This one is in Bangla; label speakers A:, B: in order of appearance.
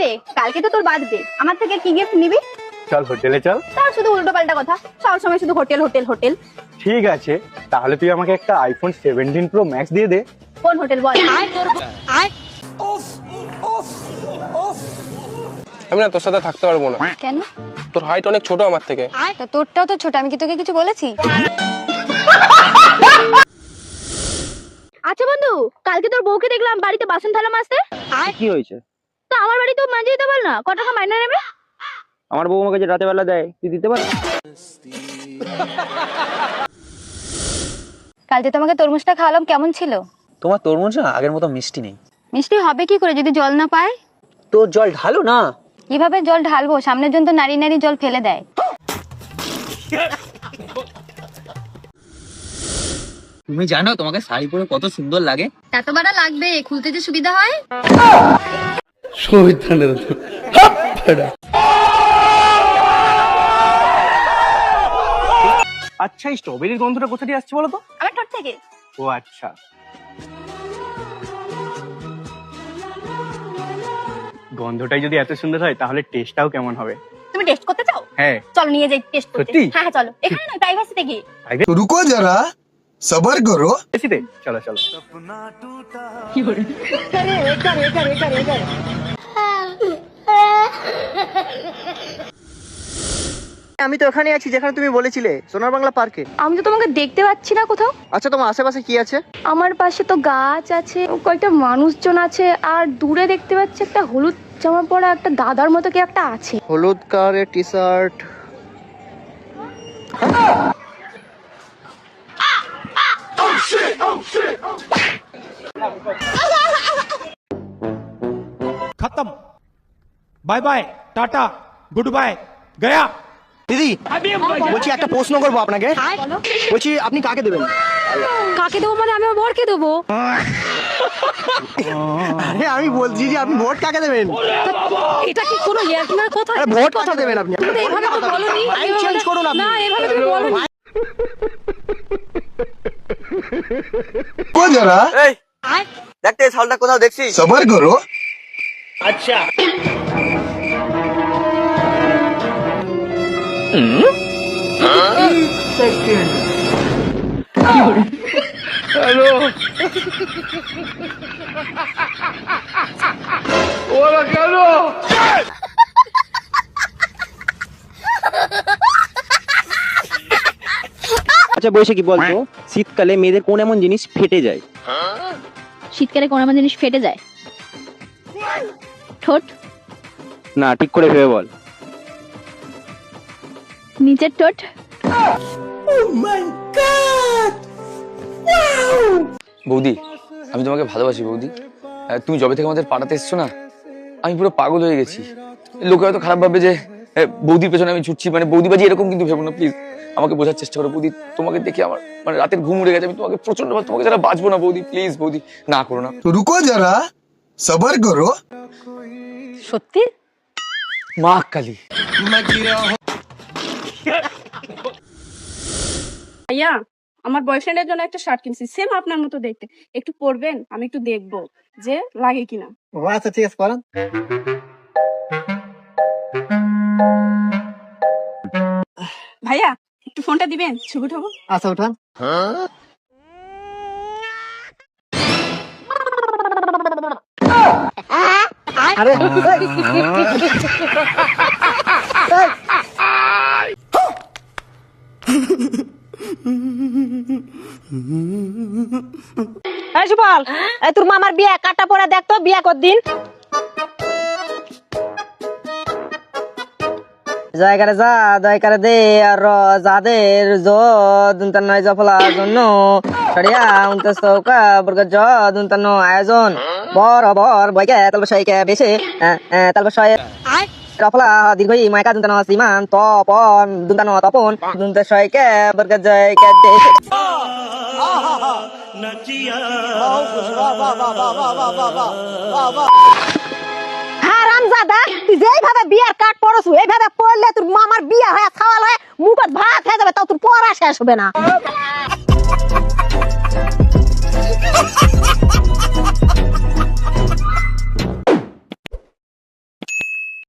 A: রে, কালকে তো তোর বার্থডে, আমার থেকে কি গিফট নিবি?
B: চল হোটেলে চল।
A: তার শুধু উল্টো পাল্টা কথা, সব সময় শুধু হোটেল হোটেল হোটেল।
B: ঠিক আছে, তাহলে তুই আমাকে একটা আইফোন 17 প্রো ম্যাক্স দিয়ে দে।
A: কোন হোটেল বল?
C: আমি না তোর সাথে থাকতে পারবো না।
A: কেন?
C: তোর হাইট অনেক ছোট আমার থেকে।
A: তো তোরটাও তো ছোট, আমি কি তোকে কিছু বলেছি? আচ্ছা বন্ধু, কালকে তোর বউকে দেখলাম বাড়িতে বাসন থালা মাজতে।
D: কি হয়েছে?
A: তো আমার বাড়ি তো মাঝে দিতে বল না, কত টাকা মাইনে নেবে?
D: আমার বউ আমাকে যে রাতে বেলা দেয়, তুই দিতে পারবি?
A: কালকে তোমাকে তরমুজটা খাওয়ালাম, কেমন ছিল?
D: তোমার তরমুজ না আগের মতো মিষ্টি নেই।
A: মিষ্টি হবে কি করে যদি জল না পায়?
D: তো জল ঢালো না।
A: কিভাবে জল ঢালবো? সামনের জন তো নারী নারী জল ফেলে দেয়।
D: তুমি জানো তোমাকে শাড়ি পরে কত সুন্দর লাগে?
A: এত বড় লাগবে, খুলতে যে সুবিধা হয়।
B: আচ্ছা, এই স্ট্রবেরির গন্ধটা কোথা দিয়ে আসছে বলো তো?
A: আমার ঠোঁট থেকে।
B: ও আচ্ছা। গন্ধটাই যদি এত সুন্দর হয় তাহলে টেস্টটাও কেমন হবে?
A: তুমি টেস্ট করতে চাও?
B: হ্যাঁ।
A: চলো নিয়ে যাই টেস্ট করতে।
B: সত্যি?
A: হ্যাঁ চলো, এখানে না, প্রাইভেসিতে গিয়ে।
E: तो रुको जरा सबर करो।
B: বেশিতে চলো চলো।
D: আমি তো ওখানে আছি যেখানে তুমি বলেছিলে, সোনার বাংলা পার্কে।
A: আমি তো তোমাকে দেখতে পাচ্ছি না কোথাও।
D: আচ্ছা, তোমার আশেপাশে কি আছে?
A: আমার পাশে তো গাছ আছে, কয়েকটা মানুষজন আছে, আর দূরে দেখতে পাচ্ছি একটা হলুদ জামা পরা একটা দাদার মতো কি একটা আছে।
D: হলুদ কালারের টি শার্ট।
F: खत्म। Bye bye, tata, good bye, गया।
D: দিদি বলছি একটা প্রশ্ন করবো আপনাকে। বলছি আপনি কাকে দেবেন?
A: কাকে দেবো মানে আমি আমার বরকে দেবো।
D: আরে আমি বলছি যে আপনি ভোট কাকে দেবেন?
A: এটা কি কোনো ইয়ার্কির কথা?
D: আরে ভোট কাকে দেবেন আপনি?
A: তুমি তো এভাবে তো বলোনি।
D: মাইন্ড চেঞ্জ করুন আপনি।
A: না, এভাবে তুমি বলোনি।
E: रुको जरा
D: এই দেখতে শালটা কোথাও দেখছিস?
E: सबर करो।
D: আচ্ছা বসে কি বলতো, শীতকালে মেয়েদের কোন এমন জিনিস ফেটে যায়?
A: শীতকালে কোন এমন জিনিস ফেটে যায়? ঠোঁট।
D: না, ঠিক করে ভেবে বল।
A: নিচের ঠোঁট।
G: বৌদি, আমি তোমাকে ভালোবাসি বৌদি। তুমি যবে থেকে আমাদের পাড়াতে এসছো না, আমি পুরো পাগল হয়ে গেছি। লোকে হয়তো খারাপ ভাববে যে বৌদির পেছনে আমি ছুটছি, মানে বৌদিবাজি, এরকম কিন্তু ভেবো না প্লিজ। আমাকে বোঝার চেষ্টা করো বৌদি। তোমাকে দেখে আমার মানে রাতের ঘুম উড়ে গেছে। আমি তোমাকে প্রচন্ড, তোমাকে যারা বাঁচবো না বৌদি, প্লিজ বৌদি, না করো না।
E: तो रुको जरा सबर करो।
A: সত্যি?
G: মা কালী।
H: ভাইয়া, আমার বয়ফ্রেন্ডের জন্য একটা শার্ট কিনছি, সেম আপনার মতো দেখতে। একটু পরবেন, আমি একটু দেখবো যে লাগে কিনা।
D: ও আচ্ছা, ঠিক আছে, করেন।
H: ভাইয়া একটু ফোনটা দিবেন, ছবি উঠাবো।
D: আচ্ছা, উঠান। আরে
I: এই সুবল, এই তোর মামার বিয়া কাটা পড়া দেখ তো, বিয়া কতদিন? জায়গারে যা দয়কারে দে আর যাদের যুন্তান্ন জফলার জন্য সরিয়া উনতে চৌকা বর্গ যুন্তান্ন আয়োজন বরাবর বইকে তালবসাইকে বেশে তালবসায় রফলা দীর্ঘই মাইকা দুন্তান্ন সীমান তপন দুন্তান্ন তপন দুন্তে সয়কে বর্গ জয়কে দেশে হারামজাদা, তুই যেইভাবে বিয়ার কাট পড়ছু এইভাবে পড়লে তোর মামার বিয়া হয়ে খাওয়াল হয়ে মুখত ভাত হয়ে যাবে, তাও তোর পড়া শেষ হবে না।